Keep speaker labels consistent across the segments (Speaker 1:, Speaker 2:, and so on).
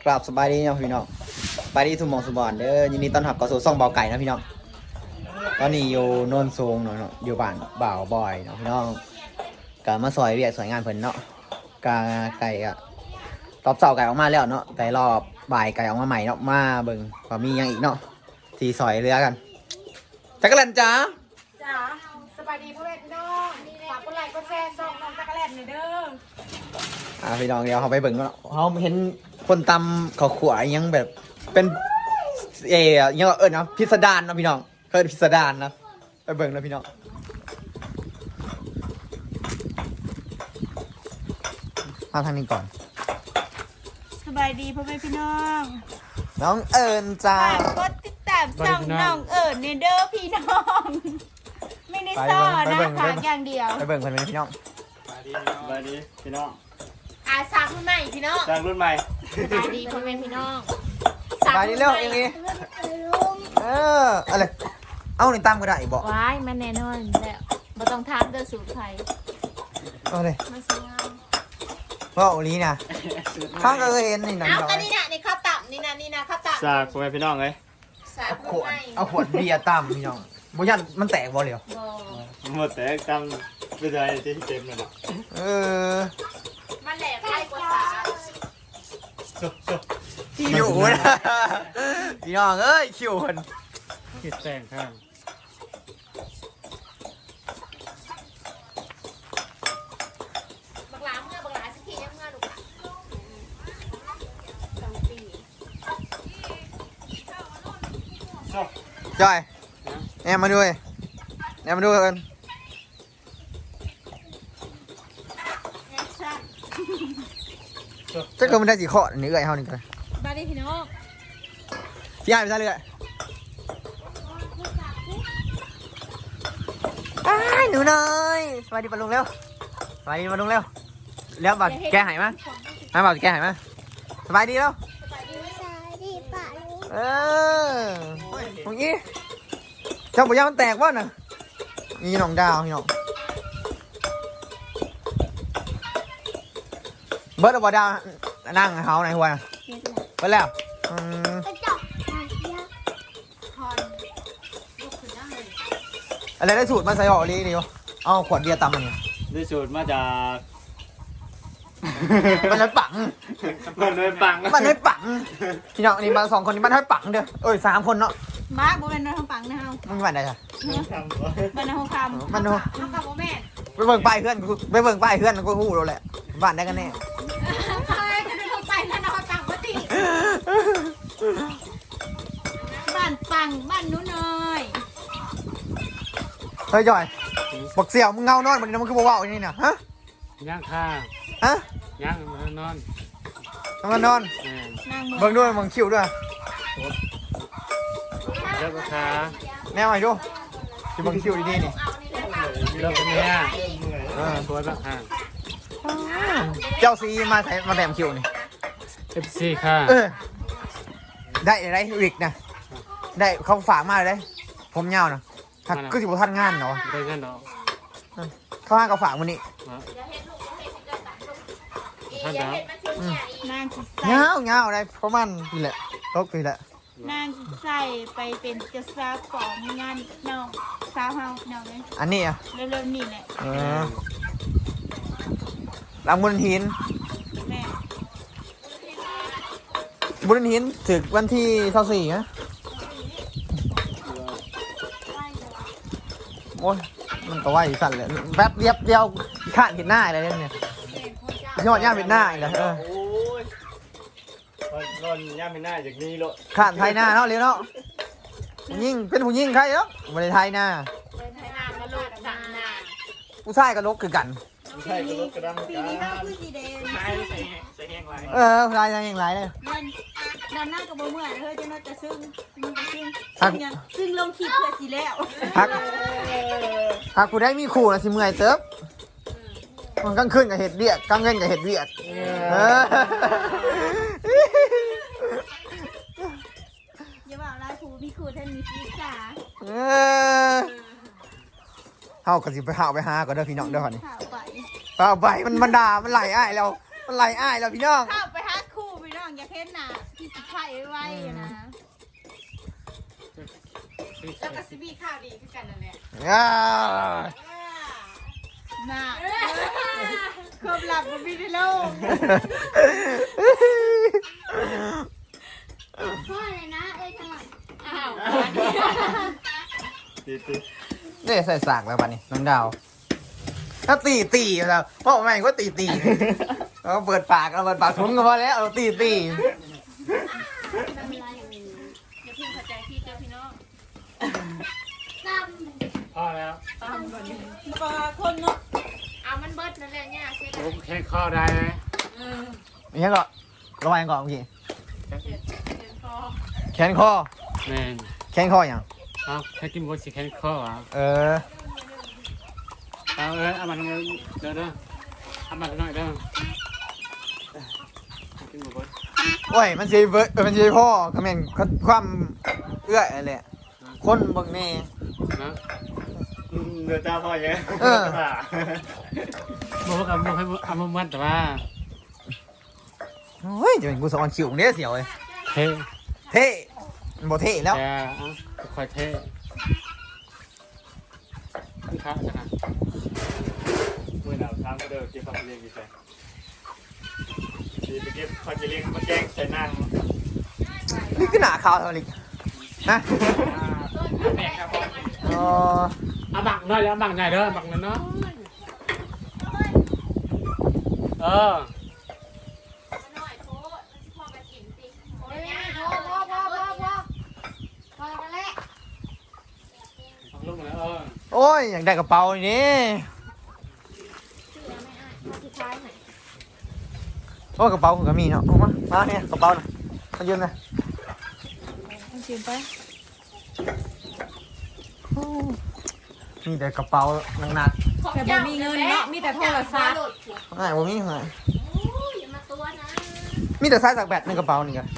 Speaker 1: กราบสบายดีเนาะพี่น้องไปที่ทุ่มมองสุบอนเด้อยินดีต้อนรับเข้าสู่ซ่องเบาไก่นะพี่น้องตอนนี้อยู่โนนสูงเนาะอยู่บ้านบ่าวบอยเนาะพี่น้องกะมาซอยเรียกสวยงานเพิ่นเนาะกาไก่อะรอบเสาไก่ออกมาแล้วเนาะแต่รอบบ่ายไก่ออกมาใหม่เนาะมาเบิ่งว่ามียังอีกเนาะที่ซอยเรือกันจักรแลนจ้า
Speaker 2: จ๋าสบายดีพ่อแม่พี่น้องฝากกดไลค์กดแชร์ส่งน้องจักรแลนหน่อยเด้อ
Speaker 1: พี่น้องเดี๋ยวเขาไปเบิ่งเนาะเขาเห็นคนตำเขาขวายยังแบบเป็นยังเนาะพิสดารเนาะพี่น้องเคยพิสดารนะไปเบิ่งนะพี่น้องมาทางนี้ก่อน
Speaker 2: สบายดีพ่อแม่พี่น้อง
Speaker 1: น้องเอิญจ้า
Speaker 2: ฝากกดติดตามส่องน้องเอิญในเด้อพี่น้องไม่ได้ซ่อนนะฝากอย่างเดียว
Speaker 1: ไปเบิ่งคนนี้พี่น้อง
Speaker 3: สบายดีพี่น้อง
Speaker 2: สักรุ่นใหม่พี่น้อง
Speaker 3: จากรุ่นใหม่
Speaker 2: สบายดีพ่อแม่พี่น้อง
Speaker 1: ไปนี่เร็วอย่างนี้อะไรเอาในตามก็ได้บอก
Speaker 2: ว้ายมันแน่นอนแล้วบ่ต้องทานเด้อสูตรไทย
Speaker 1: เอาเลย
Speaker 2: มาสวยงาม
Speaker 1: ว่าโอลีนะข้างก็เคยเห็นนี่นะ
Speaker 2: เอากันนี่นะนี่ข้าวตับนี่นะข้าวตับ
Speaker 3: จากพ่อแม่พี่น้องเลย
Speaker 2: สา
Speaker 1: เอา
Speaker 2: รุ่
Speaker 1: ขวด
Speaker 2: นใหม่
Speaker 1: เอาขวดเบียร์ตามพี่น้องบุญยันมันแตกบ่เลยเหรอ
Speaker 2: บ่
Speaker 3: หมดแต่จำไม่ได้ที่เต็มเลยหรอก
Speaker 2: มันแหลกไล่กว่าสา
Speaker 1: คิวนะพี่น้องเอ้ยคิวคน
Speaker 3: คิดแต่งข้าง
Speaker 2: บักหลาเมื่อบักหลาสักทียังเมื่อลูกหลาน2 ปี
Speaker 1: จอยแอมมาด้วยแอมมาด้วยกัน
Speaker 2: แอคชั่น
Speaker 1: จะเกิดมันได้สีข้อนี่เอ้ยเฮานี่กัน
Speaker 2: บ้านนี้พี่น้อง
Speaker 1: พี่อ้ายไปซะเลยอ้ายหนูน้อยสวัสดีปะลุงเร็วสวัสดีปะลุงเร็วแล้วบัดแกหายมั้ยมาบัดแกหายมั้ยสบายดีแล้วตรงนี้เจ้าปุยามันแตกวะน่ะนี่น้องดาวนี่น้องเบิร์ดบ่ดาวนั่งเขาไหนหัวน่ะเบิร์ดแล้ว
Speaker 2: พรลูกขึ้นนั่งเลย
Speaker 1: อะไรได้สูตรมาใส่ห่อลีเดียวเอาขวดเบียร์ตำมันนี่
Speaker 3: ได้สูตรมาจาก
Speaker 1: มันเลยปัง
Speaker 3: มันเลยปัง
Speaker 1: มันเลยปังพี่น้องนี่มา2 คนนี่มันให้ปังเด้อเอ้ย3 คนเนาะ
Speaker 2: มาบ่เป็นน้อยทางปังนะเฮา
Speaker 1: มันบ้านใดจ้ะ
Speaker 2: บ้านนาโฮคำ
Speaker 1: บ้านนาโฮ
Speaker 2: เฮากับบ่แม่น
Speaker 1: ไปเบิ่งป้ายเพื่อนกูไปเบิ่งป้ายเพื่อนกูฮู้แล้วแหละบ้านได้กันแน่
Speaker 2: ใช่จะได้เข้าไปนั่นนาโฮปังบ่ติบ้านปังบ้านหนูน้อย
Speaker 1: เฮ้ยจอยบอกเสี่ยวมึงเงานอนมันนี่มันคือบ่เว้าอย่างนี้น่ะฮะ
Speaker 3: ย่างข้า
Speaker 1: ฮะ
Speaker 3: ย่างมันนอน
Speaker 1: ทำงานนอน
Speaker 2: นาง
Speaker 1: เบิ่งด้วยมึงคิวด้วย
Speaker 3: แล้วก็ขา
Speaker 1: แนวไหนดูที่มึงคิวดีๆนี่
Speaker 3: แล้วก็เนี่ย
Speaker 1: เ
Speaker 3: สวยบ้างฮะ
Speaker 1: เจ้าซีมาใส่มาแถมคิวนี่
Speaker 3: FC ค่ะ
Speaker 1: ได้วิกนะได้เขาฝากมาเลยผมยาวนะหักก็สิบท่านงานเนาะ
Speaker 3: ได้เงินดอก
Speaker 1: เขาให้เขาฝากวันนี้
Speaker 3: ท่านดาวน
Speaker 2: างสิใส่
Speaker 1: เงาได้ประมาณนี่แหละตกปีแหละ
Speaker 2: นางสิใส่ไปเป็นเจ้าสาวของงานน้องสาวเฮาน้องเลย
Speaker 1: อันนี้อ่ะ
Speaker 2: เร็วๆนี่แหละ
Speaker 1: หลังบุญหิน
Speaker 2: แม่
Speaker 1: บุญหินถึงวันที่24นะโอ้ยมันก็ว่าอยู่สั่นเลยแป๊บเดียวข้านเห็นหน้าอะไรเนี่ยยอดย่าเห็นหน้าอีกแล้ว
Speaker 3: โอ้ยนอนย่างไม่น่าจากนี้โล
Speaker 1: ข้านไทยหน้าเนาะเร็วเนาะยิ่งเป็นผู้ยิ่งใครเนาะไม่ได้ไทยหน้า
Speaker 2: เป็นไทยนางมาลูกดังนา
Speaker 1: ผู้ชายกับลกคือกัน
Speaker 3: ไม่ใช่ก็รถกระดัง
Speaker 2: ปีนี้เราคือสีแดง
Speaker 3: ใช่ใส่แห้งไร
Speaker 1: ผู้ชายยังอย่างไรเลย
Speaker 2: มันนำหน้ากับบ่เมื่อยเฮ้ยจะน่าจะซึ้งมันจะซึ้ง
Speaker 1: ฮัก
Speaker 2: ซึ่งลงคลิปเพื่อสิแล้ว
Speaker 1: หากผู้ได้มีคู่นะสิเมื่อยเติบมันกลางคืนกับเห็ดเวียกกลางเว้นกับเห็ดเวียก
Speaker 2: อย่าบอกลายครูพี่ครูท่านมีชีวิตค่ะ
Speaker 1: เฮาก็สิไปหาไปหาก่อนเด้อพี่น้องเด้อนี่
Speaker 2: ข่าวไป
Speaker 1: เอาไปมันด่ามันไหลอ้ายแล้วมันไหลอ้ายแล้วพี่น้อง
Speaker 2: ข่าวไปหาครูพี่น้องอยากเห็น
Speaker 4: ห็นน่ะที่สิไข่ไว้นะ
Speaker 2: แล้วก็ซิบี้ข้าวดีคือกันนั่นแหละ
Speaker 1: อ้า
Speaker 4: น่ะ
Speaker 2: ความลับมันมีในโลก
Speaker 4: พ่อเลยนะเอ้ยจังหวะ
Speaker 2: อ้าว
Speaker 3: ตี
Speaker 1: เนี่ยใส่สากแล้วปะนี่น้องดาวถ้าตีแล้วพ่อแม่งก็ตีเราเปิดปากเราเปิดปากทุนก็พอแล้วเราตี
Speaker 4: ทำอะไรอย่างนี้
Speaker 2: อย่าเพิ่งเข้าใจพี่เจ้าพี่น้อง
Speaker 4: ต
Speaker 3: พอแล้ว
Speaker 2: ปลาคนเนาะเอามันเบิดนั่นแหละเนี่ยเสร็จ
Speaker 3: ผมแค่ข้อได้ไหม
Speaker 1: อย่างนี้ก็ระวังก่อนเมื่อกี้
Speaker 2: เดี๋ยวพอ
Speaker 1: แขนคอ
Speaker 3: แม่น
Speaker 1: แขนคออย่าง
Speaker 3: เอาแค่กินบดสิแค่ข้ออ่ะ
Speaker 1: เออ
Speaker 3: เอามันเด้อเอามันหน่อยเด้อกินบด
Speaker 1: โอ้ยมันสีมันสีพ่อคอมเมนต์ความเอื้อยอะไรคนเบางแน่
Speaker 3: นะเดือดตาพ่อยัง บอกว่ากับให้เอามามันแต่ว่า
Speaker 1: เฮ้ยจะเป็นกูสอนคิวเนี่ยเสียวเลย
Speaker 3: เท่
Speaker 1: เท่มันบ่เท่แล้ว
Speaker 3: แต่คอยเท่พี่ค้าจะนะเมื่อเราทำก็เดินเก็บความเรียนกี่ใจดีไปเก็บความเรียนมาแจ้งใส่นั่ง
Speaker 1: นี่คือหนาขาวเท่านี้นะ
Speaker 3: แบกครับผม
Speaker 1: อ๋อ
Speaker 3: เอาบักหน่อยเอาบักใหญ่เด้อบักหน่อยเนาะเออ
Speaker 2: หน่อยโทษพ่อไปกินสิโอ้ยพอกันแล้ว
Speaker 3: บักลูกนะ
Speaker 1: โอ้ยอยากได้กระเป๋านี่
Speaker 4: สุดท้ายไหน
Speaker 1: โอ้กระเป๋าผมก็มีเนาะเอามาเนี่ยกระเป๋าน่ะมายืมนะ
Speaker 2: ต้องชิมไป
Speaker 1: มีแต่กระเป๋าหนัก
Speaker 2: แต่บ่มีเงินเนาะมีแต่โทรศัพท์
Speaker 1: ๆไม่ผมมีไง
Speaker 4: อย่ามาตัวนะ
Speaker 1: มีแต่สายสักแบตในกระเป๋านี่กัน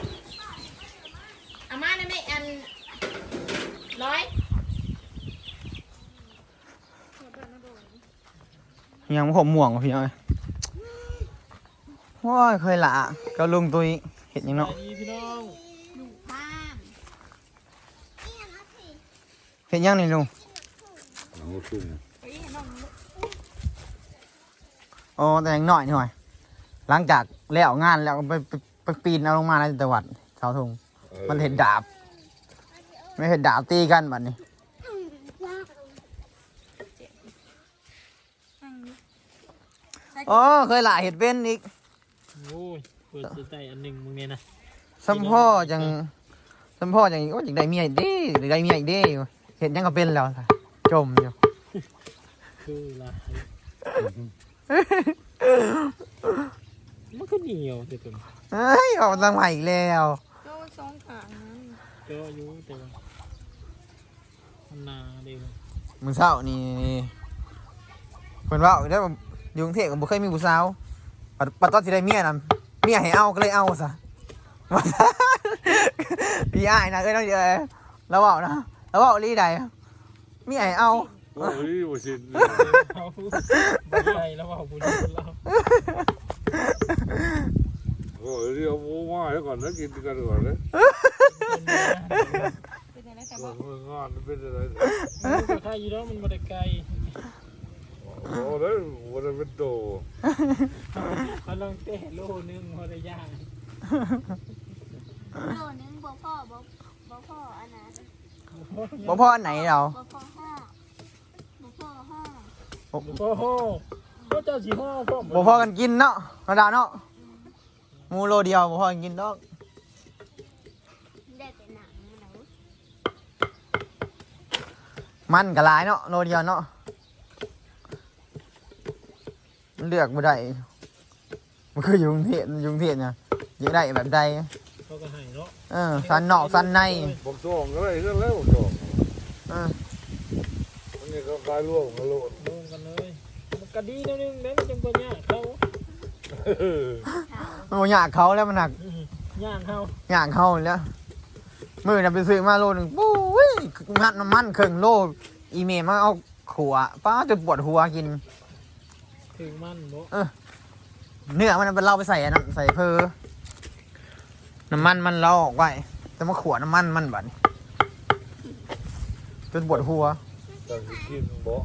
Speaker 2: อาม่าได้ไหมอันร้อย
Speaker 1: ยังผมม่วงกว่าพี่น้อยว้ายเคยละก็ลุงตุยเห็นยังเนาะ
Speaker 3: พี่น้อง
Speaker 4: ดูภาพ
Speaker 1: เห็นยังนี่ลุงอ๋อแต่ยังหน่อยหน่อย หลังจากแล้วงานแล้วก็ไปปีนเอาลงมาในจังหวัดเสาธงมันเห็นดาบ ไม่เห็นดาบตีกันบัดนี้อ๋อเคยละเห็ดเป็นอีก
Speaker 3: โอ้ยเปิดสใจอันหนึ่งมึงเนี่ยนะ
Speaker 1: สัมพ่อจังสัมพ่อจังโอ้ยอยากได้เมียอีกเด้อยากได้เมียอีกเด้เห็นยังก็เป็นแล้วจมอยู่
Speaker 3: คือลายมันก็เหนียวแต่ตัว
Speaker 1: เฮ้ยออกตังใหม่อีกแล้ว
Speaker 4: โจ้สองขางนั้น
Speaker 3: ก็อายุแต่ว่านาเดียว
Speaker 1: มื้อเช้านี่เพิ่นว่าได้อยู่กรุงเทพก็บ่เคยมีผู้สาวปัดตอนสิได้เมียน่ะเมียให้เอาก็เลยเอาซะว่าซะพี่อ้ายนะเอ้ยน้องเด้อแล้วเว้านะแล้วเว้าลีใดเมียให้เอา
Speaker 5: โอ้ยบ่สิ
Speaker 3: เขาไม่ใช่แล้วว่าบุญเรา
Speaker 5: โอ้ยเดี๋ยวหมูมาให้ก่อนนะกินกันก่อนนะ
Speaker 2: เป็นยังไงแต่
Speaker 5: ก่
Speaker 2: บ่
Speaker 5: อนมืองานเป็นอะไร
Speaker 3: มันค่าอยู่แล้วมันมาได้ไกล
Speaker 5: โอ้ได้วันนั้นเป็นโต
Speaker 3: เขาลองเตะโลนึงพอได้ย่าง
Speaker 4: โลนึงบ่พ่อบ่พ่ออันนั้น
Speaker 1: บ่พ่ออันไหนเรา
Speaker 4: บ่พ่อห้าบ่พ่อห้า
Speaker 3: โอ้โหก็เจ้าสีห้อพ่อ
Speaker 1: บ่พ่อกันกินเนาะธรรมดาเนาะหมูโลเดียวบ่พ่อกันกินดอก
Speaker 4: ได้แต่หนังมันเอา
Speaker 1: มันก็หลายเนาะโลเดียวเนาะเลือกบ่ได้มันคืออยู่กรุงเทพเนี่ยอยากได้แบบใด
Speaker 3: เขาก็ให้เนาะ
Speaker 1: สันนอกสันใน
Speaker 5: บอกจองอะไรเรื่องแล้วบอกจอง
Speaker 1: เออ
Speaker 5: อันนี้ก็กลายร่วงมาโลด
Speaker 3: รวมกันเลยมันก็ดีนิดนึงแล้วมันจังตัวย่างเขา
Speaker 1: มันบ่อยากเขาแล้วมันหนัก
Speaker 3: ย่างเขา
Speaker 1: อยากเขาแล้วมื้อน่ะไปซื้อมาโลนึงปุ้ยมัดน้ำมันครึ่งโลอีเมลมาเอาขัวป้าจนปวดหัวกิน
Speaker 3: ถึงมันบ่
Speaker 1: เนื้อมันเป็นเราไปใส่อันนั้นใส่เพอน้ำมันมันเราออกไว้จะมาขวดน้ำมันมันบัดนี้จนปวดหัว
Speaker 5: จะกินบ่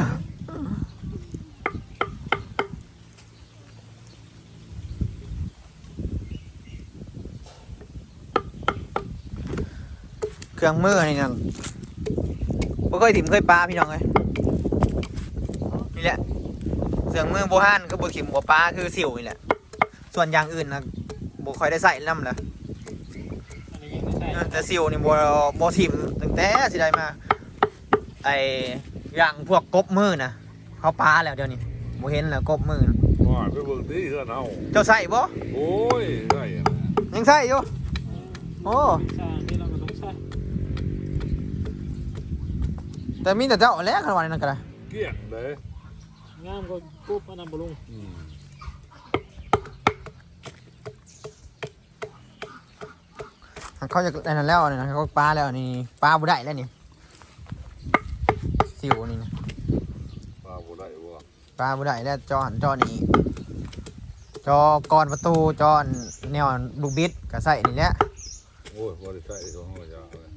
Speaker 1: เครื่องมือนี่นะบ่เคยถิ่มเคยปลาพี่น้องเลยนี่แหละเครื่องมือโบฮันก็บ่ถิ่มบ่ปลาคือสิวนี่แหละส่วนอย่างอื่นนะบ่ค่อยได้ใส่น้ำเลย
Speaker 3: อันนี้ยังไม่ใช่
Speaker 1: แต่สิวนี่บ่ถิ่มตั้งแต่สิได้มาไออย่างพวกกบมือนะเขาปลาแล้วเดี๋ยวนี้บ่เห็นแล้วกบมือนะ
Speaker 5: ว่าไปเบิ่งที่เฮือนเฮา
Speaker 1: เจ้าใส่บ่
Speaker 5: โอ้ยได้อะ
Speaker 1: ยังใส่อยู่โอ้
Speaker 3: ใช่นี่เราก็ต้องใช่
Speaker 1: แต่มีแต่เจ้าเอาแล้วขนาดนั้นก็ได้
Speaker 5: เกลี้ยงเลย
Speaker 3: งามก็ปุ๊บอันนั้นบ่ลุง
Speaker 5: อืม
Speaker 1: เขาจะได้นั่นแล้วนี่นะเขาปลาแล้วนี่ปลาบ่ได้แล้วนี่สิวนี่นะ
Speaker 5: ว่าบ่ได้บ่
Speaker 1: ปลาบ่ได้แล้วจอหันจอนี่จอกรประตูจอแนวลูกบิดก็ใส่นี่แหละ
Speaker 5: โอ้ยบ่ได้ใช้ของเฮาจ้าเลย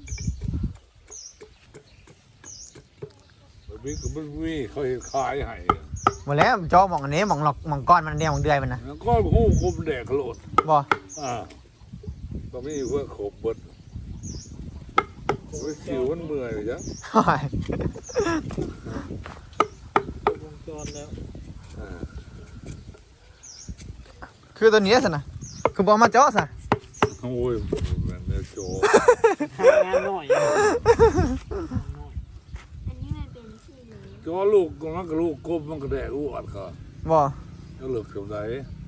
Speaker 5: บิ๊กก็บ่มีเขาเฮ็ดขายให้
Speaker 1: หมดแล้วจอหมองอันนี้หมองหลอกหมองก้อนมันเดียวหมองเดือยมันนะ
Speaker 5: แล้วก็ฮู้คุมแดกโลด
Speaker 1: บ่
Speaker 5: ก็มีเพื่อขบเบิดโอ้ยสิวมันเมื่อยจ้ะ
Speaker 3: วงจรแล้ว
Speaker 1: คือตัวนี้สินะคือบอกมาจอซะ
Speaker 5: โอ้ยแม่นแม่โจ
Speaker 3: หางานหน่อย
Speaker 4: อันนี้มันเป็นที่เหลว
Speaker 5: จอลูกมันก็ลูกกบมันก็แดกอ้วนก็
Speaker 1: บ่
Speaker 5: แล้วเลิกสมได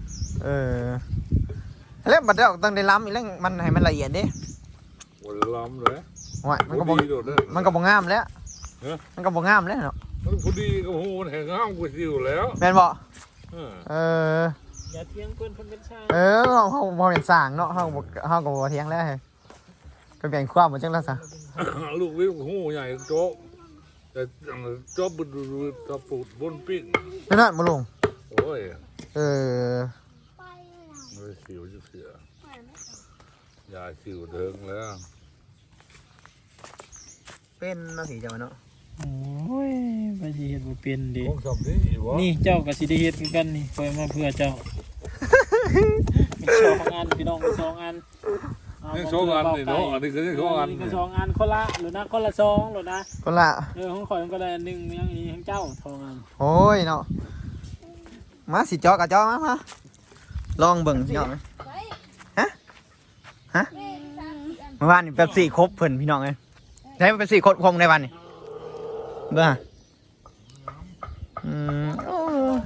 Speaker 1: แล้วบัดเดี๋ยวต้องได้ล้ำอีกแล้วมันให้มันละเอียดดิ
Speaker 5: วันล้ำเลย
Speaker 1: ว่ามันก็บ่
Speaker 5: ดีโดดเด้อ
Speaker 1: มันก็บ่งามแล้ว
Speaker 5: เอ๊ะ
Speaker 1: มันก็บ่งามแล้วเนาะ
Speaker 5: มันพอดีกับหูมันแห้งห้ามกว่าสิวแล้ว
Speaker 1: แม่นบ่
Speaker 5: เออ
Speaker 1: เออ
Speaker 3: อย่าเที่ยงเพื่อนคนเป็นชาย
Speaker 1: เฮาบ่เป็นสร้างเนาะเฮาก็บ่เถียงแล้วก็เปลี่ยนความบ่จังแล้วซะ
Speaker 5: ลูกวิวหูใหญ่โจ๊กแต่โจ๊บบุดตะปูดบนปิ้ง
Speaker 1: เป็นนั่นบ่ลุง
Speaker 5: โอ้ย
Speaker 1: เออ
Speaker 4: ไปแล้ว
Speaker 5: มันสิวจะเสีย
Speaker 4: ไปไม่
Speaker 5: ยาสิวเถิงแล้ว
Speaker 1: เป็นเนาะสิเจ้าเนาะ
Speaker 3: โอ้ยไปสิเฮ็ดบ่เป็นดิ
Speaker 5: ของสำนี้วะ
Speaker 3: นี่เจ้าก็สิได้เฮ็ดคือกันนี่คอยมาเพื่อเจ้ามีสองอันพี่น้องมีสองอัน
Speaker 5: นี่สองอันนี่เนาะอันนี้ก็นี่สองอัน
Speaker 3: นี่ก็
Speaker 5: นี่
Speaker 3: สองอันคนละหรือนะคนละสองหรือนะ
Speaker 1: คนละ
Speaker 3: ของข่อยมันก็ได้อันหนึ่งยังอีของเจ้าทองอัน
Speaker 1: โอ้ยเนาะมาสิจอกับจอมาลองเบิ่งพี่น้องฮะเมื่อวานนี่แบบ4ครบเพิ่นพี่น้องเอ้ยได้เป็น4ครบในวันนี่เบิ่งโอ้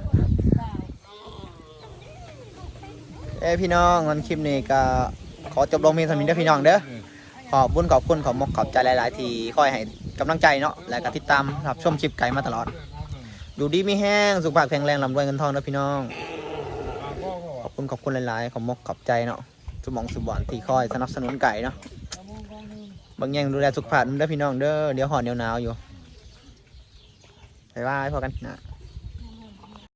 Speaker 1: พี่น้องวันคลิปนี้ก็ขอจบลงเพียงเท่านี้เด้อพี่น้องเด้อขอบบุญขอบคุณขอบมกขอบใจหลายๆที่คอยให้กำลังใจเนาะและก็ติดตามรับชมคลิปไก่มาตลอดอยู่ดีมีแห้งสุขภาพแข็งแรงร่ำรวยเงินทองเด้อพี่น้องขอบคุณหลายๆขอบมกขอบใจเนาะสมองสุบอนที่คอยสนับสนุนไก่เนาะบางอย่างดูแลสุขภาพเด้อพี่น้องเด้อเดี๋ยวหอนเดี๋ยวหนาวอยู่บ๊ายบายพอกันนะ